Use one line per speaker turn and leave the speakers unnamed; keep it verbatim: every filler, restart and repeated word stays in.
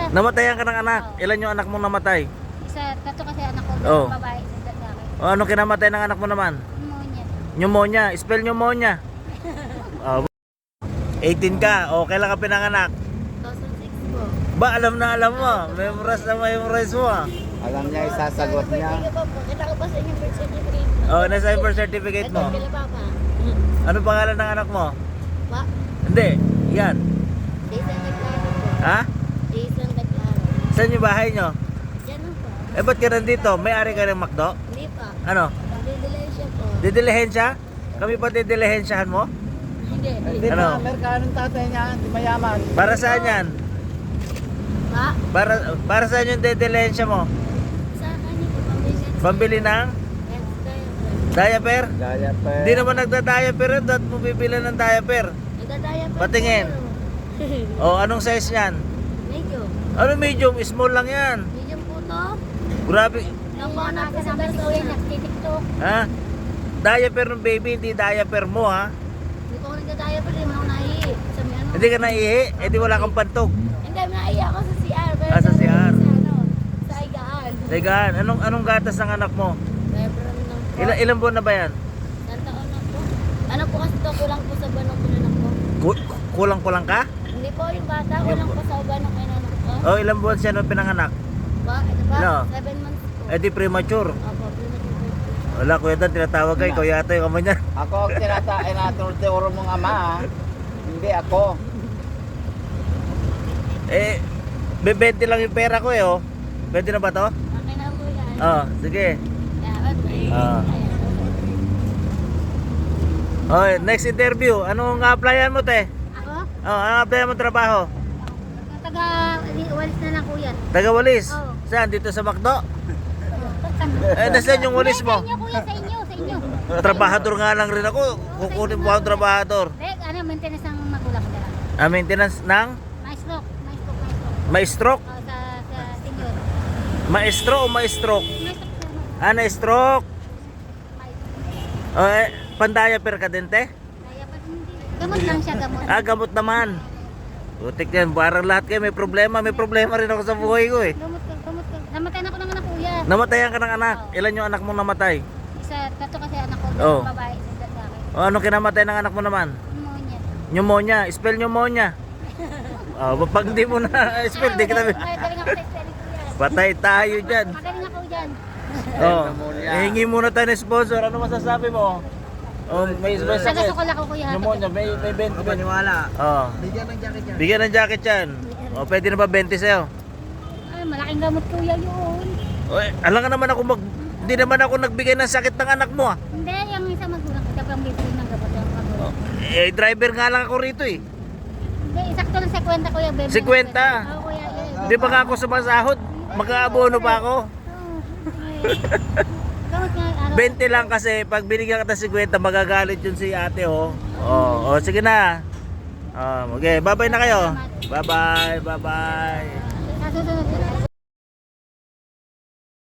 Namatayan ka ng anak.
Oo.
Ilan yung anak mong namatay?
Isa, tatlo kasi anak ko,
Oo.
babae, isa lalaki.
O ano kinamatay ng anak mo naman?
Pneumonia.
Pneumonia. Spell pneumonia. Oh, eighteen ka. O kailan ka pinanganak?
two thousand six po.
Ba alam na alam mo. Memorize na memorize mo ah.
Alam niya, isasagot niya.
Kita ko ba sa inyong birth certificate?
Oh, nasa yung birth certificate mo.
Kila Papa.
Ano pangalan ng anak mo?
Pa?
Hindi. Yan.
Jason Taglaro po.
Ha?
Jason Taglaro.
Saan yung bahay nyo?
Yan lang po.
Eh ba't ka nandito? May-ari ka ng McDo?
Hindi pa.
Ano?
Didelensya po.
Didilihensya? Kami pa didilihensyahan mo?
Hindi.
Hindi
Ano?
pa, Amerikano ng tatay niya, hindi mayaman.
Para saan yan?
Pa?
Para para saan yung didilihensya mo?
Sa kanya po, pambigat.
Pambili ng
Yes, tayo.
diaper?
Gaya pa.
Hindi naman nagda-diaper yun. Dapat mo bibili ng diaper.
Nagdadaya pa.
Patingin. O anong size yan?
Medyo.
Ano medium? Small lang yan.
Medium po to.
Grabe.
Nakuha na ako sa si Kuya, nagtitiktok.
Ha? Diaper ng baby, hindi diaper mo ha?
Hindi ko ako nagdadaya pa rin, ako naihi. Sa may ano.
Hindi ka naihi? Eh di wala kang pantog.
Hindi, naihi ako sa C R. Pero
Ah, sa C R.
Sa ano, sa higaan.
Tegaan, anong anong gatas ng anak mo?
Diaper lang po.
Ilan ilang buwan na ba yan?
Ilang taon na po? Ano po kasi to, kulang po sa banong pinanak ko.
Ku- Kulang-kulang ka?
Hindi po yung bata, kulang po sa banong pinanak ko.
O ilang buwan siya nung pinanganak?
Ba, ito ba?
Ano?
Seven months po.
Eh di premature.
Opo, premature po.
Wala, kuya Dan, tinatawag kayo. Ikaw yata yung kamay niya.
Ako ang tinatain na tinuturo mong ama, ha? Hindi ako.
Eh, bebente lang yung pera ko eh, oh. Pwede na ba to?
Okay na po yan.
Oo, sige.
Yeah, okay.
Ah.
Ayan.
Okay, next interview. Anong applyan mo, te?
Ako?
Oh, anong applyan mo trabaho?
Taga, walis na lang kuya.
Taga Walis.
Oo.
Saan? Dito sa McDo? Eh, nasaan yung walis mo?
Sa inyo kuya, sa inyo, sa inyo.
Trabahador nga lang rin ako. Kukunin mo akong trabahador.
Dek, ano, maintenance ang magulang ko dala.
Ah, maintenance ng
Maestro, maestro, maestro.
ma-stroke?
Oh, sa, sa senior.
Maestro o ma-stroke?
Maestro po.
Ah, na-stroke.
Maestro.
Oh, eh, pandiaper ka din, te?
Kaya pa hindi. Gamot lang siya, gamot.
Ah, gamot naman. Butik yan, parang lahat kayo may problema. May problema rin ako sa buhay ko eh.
Gamot ka, gamot ka. Namatay na ako ng anak kuya.
Namatayan ka ng anak. Ilan yung anak mong namatay?
Isa, tatlo kasi anak ko,
Oo.
babae, isa lalaki.
O anong kinamatay ng anak mo naman?
Pneumonia.
Pneumonia. Spell pneumonia. Oh, pag hindi mo na spell, di kita.
Magaling magaling ako sa spelling kuya.
Patay tayo dyan.
Magaling ako dyan.
Oh,
Pneumonia.
hihingi muna tayo ng sponsor. Ano masasabi mo? Oh, may may sakit.
Taga-sukol ako kuya.
Pneumonia, may may twenty.
Paniwala.
Oh.
Bigyan ng jacket niya.
Bigyan ng jacket yan. O, pwede na ba twenty sa'yo?
Ay, malaking gamot kuya yun.
O, eh, alam nga naman ako mag... Hindi naman ako nagbigay ng sakit ng anak mo ah.
Hindi, yung isa magulang ko, siya pang bibili ng gamot yung magulang.
Eh, driver nga lang ako rito eh.
Hindi, isakto lang sa kwenta kuya. Bebe,
Si kwenta?
Oo kuya, yun.
Di ba nga ako sumasahod? Mag-aabono pa ako.
Oo. Gamot nga, ano.
twenty lang kasi pag binigyan ka ng fifty, magagalit yun si ate oh. Oh, oh sige na. Oh, okay, bye-bye na kayo. Bye-bye, bye-bye.
Sa susunod.